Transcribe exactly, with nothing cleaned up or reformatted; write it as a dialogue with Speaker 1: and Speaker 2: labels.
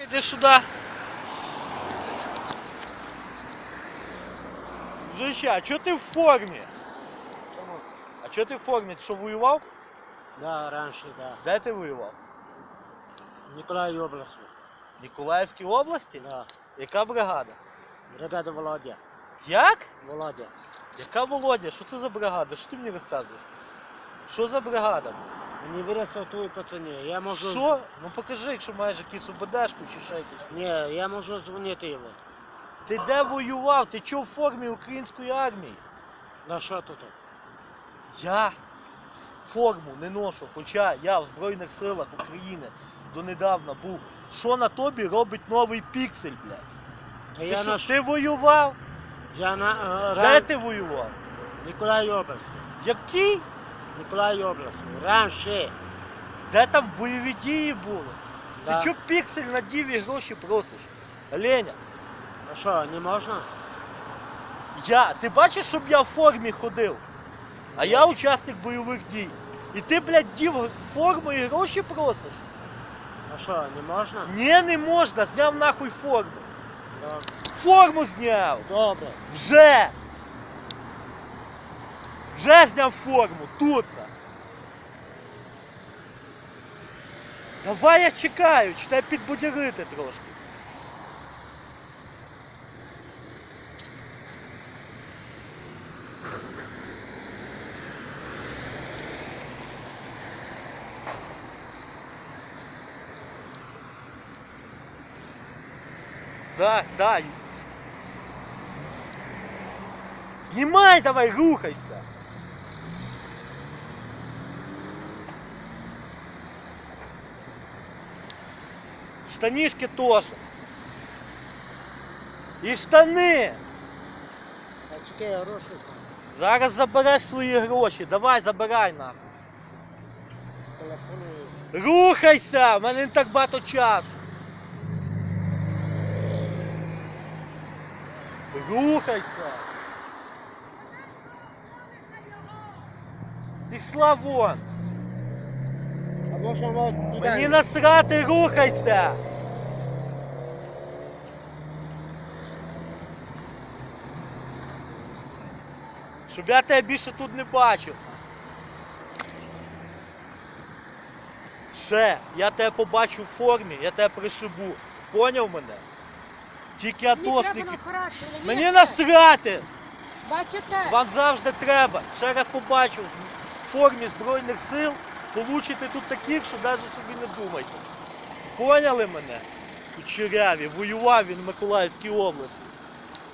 Speaker 1: Иди сюда. Дружище, а чого ти в формі?
Speaker 2: Чому?
Speaker 1: А чого ти в формі? Ти що, воював?
Speaker 2: Да, раніше, да.
Speaker 1: Де ти воював?
Speaker 2: В Ніколаївській області.
Speaker 1: В Ніколаївській області?
Speaker 2: Да.
Speaker 1: Яка бригада?
Speaker 2: Бригада Володя.
Speaker 1: Як?
Speaker 2: Володя.
Speaker 1: Яка Володя? Що це за бригада? Що ти мені розказуєш? Що за бригада?
Speaker 2: Мені виростав твої пацани. Я можу...
Speaker 1: Що? Ну покажи, якщо маєш якусь ОБДшку чи ще якусь.
Speaker 2: Ні, я можу дзвонити йому.
Speaker 1: Ти де воював? Ти чого в формі української армії?
Speaker 2: На що тут?
Speaker 1: Я форму не ношу, хоча я в Збройних силах України донедавна був. Що на тобі робить новий піксель, блядь?
Speaker 2: Та
Speaker 1: Ти,
Speaker 2: я
Speaker 1: що,
Speaker 2: на...
Speaker 1: ти воював?
Speaker 2: Я на... е,
Speaker 1: Де
Speaker 2: ран...
Speaker 1: ти воював?
Speaker 2: Ніколаївській області.
Speaker 1: Який?
Speaker 2: Ніколаївській області. Раніше.
Speaker 1: Де там бойові дії були?
Speaker 2: Да.
Speaker 1: Ти чого піксель на діві гроші просиш? Леня,
Speaker 2: А що, не можна?
Speaker 1: я, ти бачиш, щоб я в формі ходив? А я учасник бойових дій. І ти, блядь, дів форму і гроші просиш?
Speaker 2: А що, не можна?
Speaker 1: Ні, не можна, зняв нахуй форму.
Speaker 2: Добре.
Speaker 1: Форму зняв!
Speaker 2: Добре.
Speaker 1: Вже! Вже зняв форму, тут. на. Давай я чекаю, чи тебе підбудярити трошки. Да, да. Снимай давай, рухайся. Штанишки тоже. І штани.
Speaker 2: А чекай, гроші.
Speaker 1: Зараз забереш свої гроші. Давай, забирай нахуй.
Speaker 2: Телефонуєш.
Speaker 1: Рухайся! У мене не так багато часу. Рухайся. Пішла вон.
Speaker 2: А може вас туди?
Speaker 1: Мені насрати, рухайся. Щоб я тебе більше тут не бачив. Ще, я тебе побачу в формі, я тебе пришибу. Поняв мене? Тільки атошники. Мені насрати!
Speaker 3: Бачите?
Speaker 1: Вам завжди треба. Ще раз побачу в формі Збройних сил, получите тут таких, що навіть собі не думайте. Поняли мене? Кучеряві, воював він в Миколаївській області.